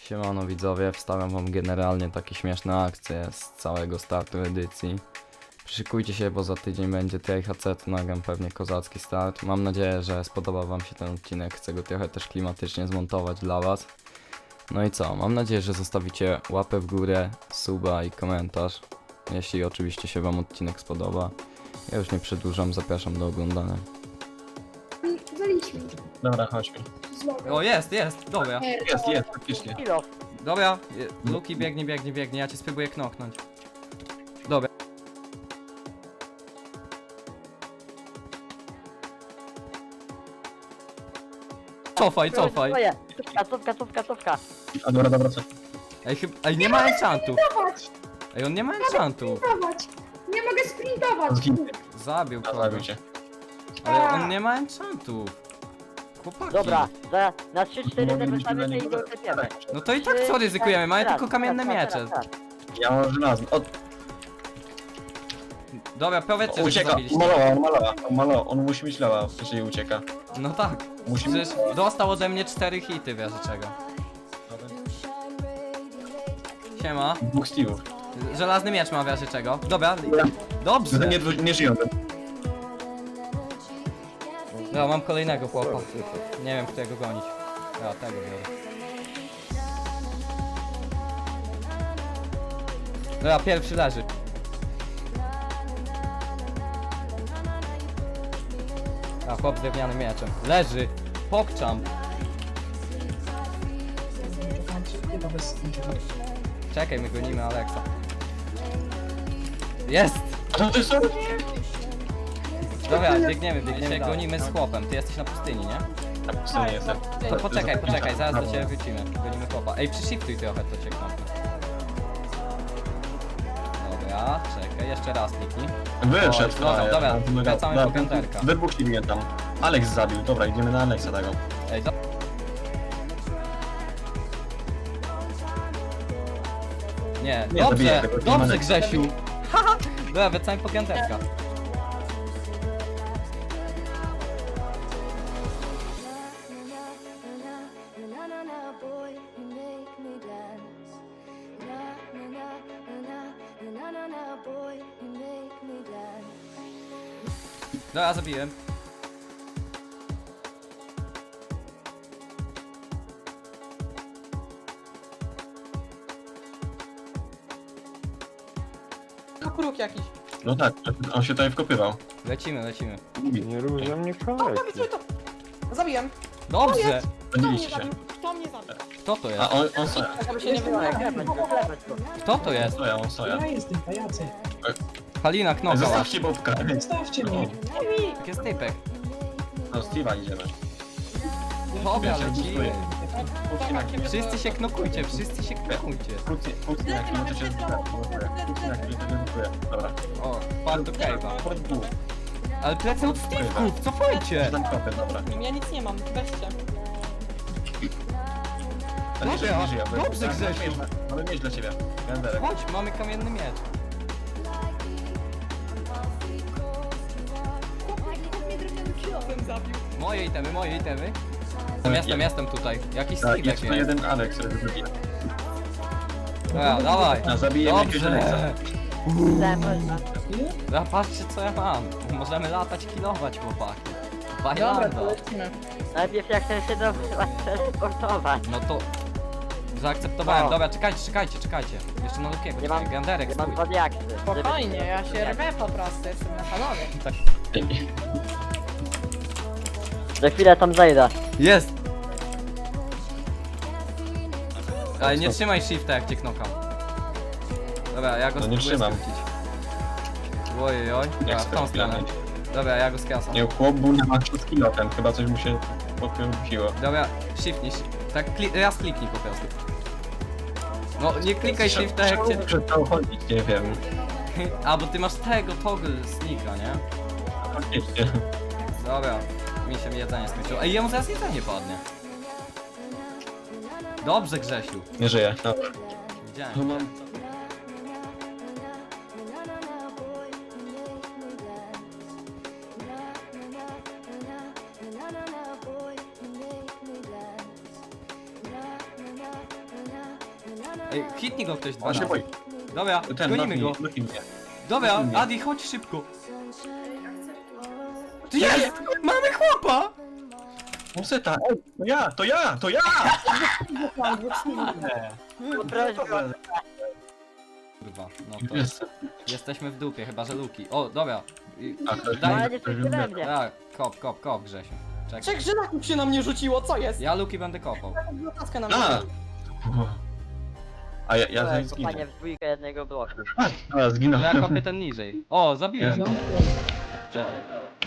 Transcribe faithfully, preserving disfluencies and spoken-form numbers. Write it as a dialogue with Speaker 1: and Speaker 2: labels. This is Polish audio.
Speaker 1: Siemano widzowie, wstawiam wam generalnie takie śmieszne akcje z całego startu edycji. Szykujcie się, bo za tydzień będzie T H C, to nagram pewnie kozacki start. Mam nadzieję, że spodoba wam się ten odcinek, chcę go trochę też klimatycznie zmontować dla was. No i co, mam nadzieję, że zostawicie łapę w górę, suba i komentarz, jeśli oczywiście się wam odcinek spodoba. Ja już nie przedłużam, zapraszam do oglądania.
Speaker 2: Zaliśmy.
Speaker 3: Dobra, chodźmy.
Speaker 1: O, jest, jest, dobra.
Speaker 3: Jest, jest, faktycznie.
Speaker 4: Kilo.
Speaker 1: Dobra, je- Luki biegnie, biegnie, biegnie, ja cię spróbuję knoknąć. Dobra. Cofaj, cofaj.
Speaker 4: Twoje. Cofka, cofka, cofka, cofka.
Speaker 3: A dobra, dobra, co?
Speaker 1: Ej, chyba, ej, nie ma enchantów.
Speaker 2: Sprintować!
Speaker 1: Ej, on nie ma enchantów.
Speaker 2: Sprintować! Nie mogę sprintować!
Speaker 3: Zginę.
Speaker 1: Zabił
Speaker 3: A,
Speaker 1: kogoś.
Speaker 3: zabił cię.
Speaker 1: Ale on nie ma enchantów. Chłopaki.
Speaker 4: Dobra, za, na trzy cztery te
Speaker 3: Moglibyśmy
Speaker 4: wystawimy
Speaker 3: na
Speaker 4: i
Speaker 3: niego
Speaker 4: go klepiemy.
Speaker 1: No to i tak co ryzykujemy, mamy
Speaker 4: Teraz,
Speaker 1: tylko kamienne
Speaker 4: teraz,
Speaker 1: miecze.
Speaker 4: teraz, teraz.
Speaker 3: Ja mam żelazny. O,
Speaker 1: Dobra, powiedzcie, że go
Speaker 3: ucieka,
Speaker 1: zabiliście.
Speaker 3: malował, on malował, on malował, on musi mieć lewa, jeżeli ucieka.
Speaker 1: No tak.
Speaker 3: Musi mieć...
Speaker 1: Przecież dostał ode mnie cztery hity, wiesz czego. Siema.
Speaker 3: Dwóch Steve'ów.
Speaker 1: Żelazny miecz ma, wiesz czego. Dobra. Dobrze.
Speaker 3: Nie, nie żyją.
Speaker 1: Dobra, mam kolejnego chłopa. Nie wiem, którego gonić. Ja tego biorę. Dobra, pierwszy leży. A chłop z drewnianym mieczem. Leży. Pokczam. Czekaj, my gonimy Aleksa. Jest!
Speaker 3: A to ty są?
Speaker 1: Dobra, biegniemy, biegniemy. Gonimy z chłopem. Ty jesteś na pustyni, nie?
Speaker 3: Na pustyni jestem.
Speaker 1: To poczekaj, poczekaj, zaraz do ciebie wrócimy. Gonimy chłopa. Ej, przyshiftuj trochę, to cię knopnę. Dobra, czekaj, jeszcze raz kliknij.
Speaker 3: Wyszedł,
Speaker 1: O, dobra, dobra, wracamy po
Speaker 3: Dobra,
Speaker 1: piąterka.
Speaker 3: wybuchli tam. Alex zabił, dobra, idziemy na Alexa tego.
Speaker 1: Ej, do... Nie,
Speaker 3: Nie, zabiję
Speaker 1: dobrze,
Speaker 3: tego, nie
Speaker 1: dobrze
Speaker 3: ma-
Speaker 1: Grzesiu. Haha, dobra, wracamy po piąterka. Dobra, zabiłem.
Speaker 5: Kukuruk jakiś.
Speaker 3: No tak, on się tutaj wkopywał.
Speaker 1: Lecimy, lecimy.
Speaker 6: Nie rób ze mnie
Speaker 5: O,
Speaker 6: kolejki.
Speaker 5: prawie sobie to. Zabiłem.
Speaker 1: Dobrze!
Speaker 5: Kto mnie
Speaker 3: Zabiliście się.
Speaker 5: zabił? Kto mnie zabił?
Speaker 1: Kto to
Speaker 3: A
Speaker 1: jest?
Speaker 3: on, on soja.
Speaker 4: Żeby się nie wyłamać, klepać go, klepać go.
Speaker 1: Kto to jest?
Speaker 3: Soja, on soja.
Speaker 7: Ja jestem pajacy.
Speaker 1: Halina knokała.
Speaker 3: Zostawcie Bobka.
Speaker 7: Zostawcie mnie.
Speaker 1: Jak jest typek.
Speaker 3: No, Steve'a idziemy.
Speaker 1: Dobra,
Speaker 3: Ja się
Speaker 1: lecimy.
Speaker 3: bustuję. Pójdźcie na chwilę.
Speaker 1: Wszyscy się knokujcie, wszyscy się knokujcie.
Speaker 3: Pójdźcie pójdźcie na chwilę, to się zbuduje. Pójdźcie na chwilę, to się zbuduje. Dobra.
Speaker 1: O, wpadł do cave'a.
Speaker 3: Pod dwóch.
Speaker 1: Ale plecy od Steve'ków, cofajcie!
Speaker 3: Tam kopy, dobra.
Speaker 5: Ja nic nie mam, weźcie.
Speaker 3: Ale nie żyje, nie żyje.
Speaker 1: Dobrze, Grzesiu.
Speaker 3: Mamy mieć dla ciebie. Ganderek.
Speaker 1: Chodź, mamy kamienny miecz.
Speaker 5: Kilofem zabił.
Speaker 1: Moje itemy, moje itemy. Jestem, jestem, jestem tutaj. Jakiś
Speaker 3: Tak,
Speaker 1: Steve'ek
Speaker 3: jest to
Speaker 1: jest.
Speaker 3: jeden Alex, który zabija.
Speaker 1: Dobra, dawaj.
Speaker 3: A zabijemy jakiegoś Alexa.
Speaker 1: Dobrze.
Speaker 4: Lepać.
Speaker 1: Dobra, patrzcie co ja mam. Możemy latać, kilować, chłopaki.
Speaker 5: Dobra,
Speaker 1: Bajlanda.
Speaker 5: to lecimy.
Speaker 4: Najpierw jak chcę się do transportować.
Speaker 1: No to... Zaakceptowałem.
Speaker 4: O.
Speaker 1: Dobra, czekajcie, czekajcie, czekajcie. Jeszcze na Lukiego,
Speaker 4: Nie
Speaker 1: czekaj.
Speaker 4: mam-
Speaker 1: Ganderek,
Speaker 4: Ja mam
Speaker 1: stój.
Speaker 4: dwa diaksy.
Speaker 5: Spokojnie, ja się rwę po prostu, jestem na panowie.
Speaker 1: Tak.
Speaker 4: Za chwilę tam zajdę.
Speaker 1: Jest! Ale nie trzymaj shifta jak cię knokam. Dobra, ja go
Speaker 3: No nie
Speaker 1: spróbuję
Speaker 3: trzymam.
Speaker 1: skrócić. Ojej, oj. Dobra,
Speaker 3: Jak
Speaker 1: w tą stronę.
Speaker 3: sprawdzamy.
Speaker 1: Dobra, ja go skracam.
Speaker 3: Nie, chłop był na maksu skillotem, chyba coś mu się pokręciło.
Speaker 1: Dobra, shiftnij. shi- Tak, kli raz kliknij po prostu. No, nie klikaj shifta jak cię...
Speaker 3: Przestał chodzić, nie wiem.
Speaker 1: A, bo ty masz tego toggle sneaka, nie?
Speaker 3: Faktycznie.
Speaker 1: Dobra, mi się jedzenie skończyło. Ej, jemu zaraz jedzenie padnie. Dobrze, Grzesiu.
Speaker 3: Nie żyje. Dobra.
Speaker 1: Widziałem.
Speaker 3: No mam...
Speaker 8: na na na boy, you make me dance. Na na na na na
Speaker 1: Ej, hitnij go ktoś dwa
Speaker 3: On się
Speaker 1: razy.
Speaker 3: boi.
Speaker 1: Dobra,
Speaker 3: Ten,
Speaker 1: gonimy go.
Speaker 3: Lucky, Lucky mnie.
Speaker 1: Dobra,
Speaker 3: Nie.
Speaker 1: Adi, chodź szybko. Ty jest! Mamy chłopa!
Speaker 3: Museta, ej, to ja, to ja, to ja!
Speaker 4: Proszę go.
Speaker 1: Kurwa, no to
Speaker 3: Jest.
Speaker 1: jesteśmy w dupie, chyba że Luki. O, dobra. I-
Speaker 3: Tak, to jest
Speaker 1: Daj,
Speaker 4: Ale nie wszyscy we mnie.
Speaker 1: tak, kop, kop, kop, Grzesiu. Czekaj.
Speaker 5: Trzech żylaków się na mnie rzuciło, co jest?
Speaker 1: Ja Luki będę kopał.
Speaker 5: Laskę na mnie.
Speaker 3: A! A ja, ja
Speaker 4: To
Speaker 3: zaraz
Speaker 4: jest
Speaker 3: zginę.
Speaker 4: kopanie w dwójkę jednego bloku.
Speaker 3: A, ja zginąłem.
Speaker 1: Ja kopię ten niżej. O, zabiłem.
Speaker 3: Jest.
Speaker 1: Czekaj.